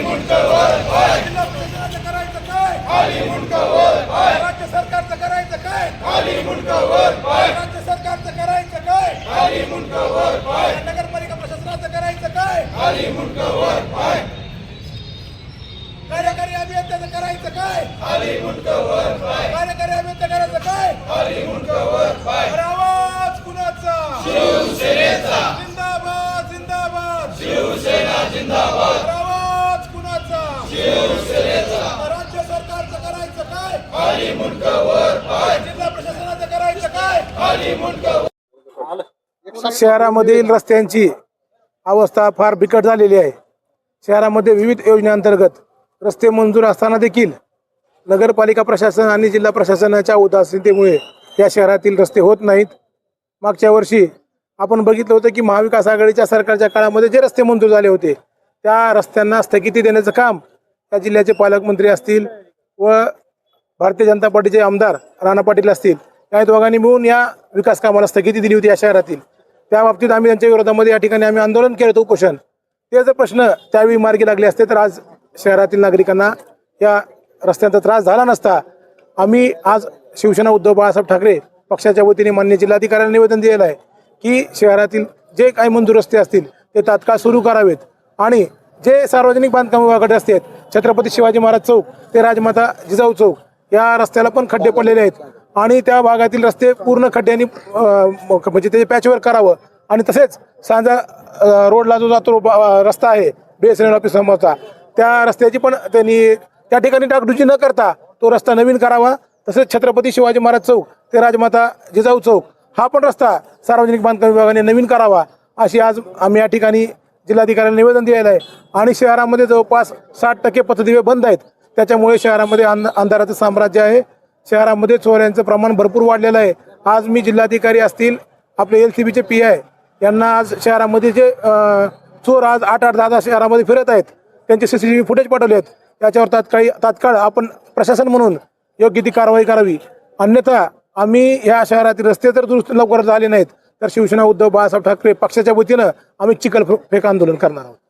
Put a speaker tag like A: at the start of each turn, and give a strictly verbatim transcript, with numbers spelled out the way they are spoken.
A: जिल्हा प्रशासनाचं करायचं काय? राज्य सरकारचं करायचं काय? राज्य सरकारचं करायचं काय? नगरपालिका प्रशासनाचं करायचं काय? कार्यकारी अभियंत्याचं करायचं काय? कार्यकारी अभियंता करायचं काय? अरे आवाज कुणाचा? जिंदाबाद जिंदाबाद अरे आवाज कुणाचा? राज्य सरकारचं करायचं काय? जिल्हा प्रशासनाचं करायचं काय?
B: शहरामधील रस्त्यांची अवस्था फार बिकट झालेली आहे. शहरामध्ये विविध योजनेअंतर्गत रस्ते मंजूर असताना देखील नगरपालिका प्रशासन आणि जिल्हा प्रशासनाच्या उदासीनतेमुळे या शहरातील रस्ते होत नाहीत. मागच्या वर्षी आपण बघितलं होतं की महाविकास आघाडीच्या सरकारच्या काळामध्ये जे रस्ते मंजूर झाले होते त्या रस्त्यांना स्थगिती देण्याचं काम त्या जिल्ह्याचे पालकमंत्री असतील व भारतीय जनता पार्टीचे आमदार राणा पाटील असतील या दोघांनी मिळून या विकास कामाला स्थगिती दिली होती या शहरातील. त्या बाबतीत आम्ही त्यांच्या विरोधामध्ये या ठिकाणी आम्ही आंदोलन केलं होतं, उपोषण. ते जर प्रश्न त्यावेळी मार्गी लागले असते तर आज शहरातील नागरिकांना या रस्त्यांचा त्रास झाला नसता. आम्ही आज शिवसेना उद्धव बाळासाहेब ठाकरे पक्षाच्या वतीने मान्य जिल्हाधिकाऱ्यांना निवेदन दिलेलं आहे की शहरातील जे काही मंजूर रस्ते असतील ते तात्काळ सुरू करावेत आणि जे सार्वजनिक बांधकाम विभागाकडे रस्ते आहेत छत्रपती शिवाजी महाराज चौक ते राजमाता जिजाऊ चौक या रस्त्याला पण खड्डे पडलेले आहेत आणि त्या भागातील रस्ते पूर्ण खड्ड्यांनी म्हणजे त्याचे पॅचवर्क करावं आणि तसेच सांजा रोडला जो जातो रस्ता आहे B S N L office समोरचा त्या रस्त्याची पण त्यांनी त्या ठिकाणी डागडुजी न करता तो रस्ता नवीन करावा. तसेच छत्रपती शिवाजी महाराज चौक ते राजमाता जिजाऊ चौक हा पण रस्ता सार्वजनिक बांधकाम विभागाने नवीन करावा अशी आज आम्ही या ठिकाणी जिल्हाधिकाऱ्यांना निवेदन दिलेलं आहे. आणि शहरामध्ये जवळपास साठ टक्के पथदिवे बंद आहेत. त्याच्यामुळे शहरामध्ये अंध अंधाराचं साम्राज्य आहे. शहरामध्ये चोऱ्यांचं प्रमाण भरपूर वाढलेलं आहे. आज मी जिल्हाधिकारी असतील आपले एल सी बीचे पी आय यांना आज शहरामध्ये जे चोर आज आठ आठ दहा दहा शहरामध्ये फिरत आहेत त्यांचे C C T V footage पाठवले आहेत. त्याच्यावर तात्काळ तात्काळ आपण प्रशासन म्हणून योग्य ती कारवाई करावी. अन्यथा आम्ही ह्या शहरातील रस्ते जर दुरुस्त लवकर झाले नाहीत तर शिवसेना उद्धव बाळासाहेब ठाकरे पक्षाच्या वतीनं आम्ही चिखल फेक आंदोलन करणार आहोत.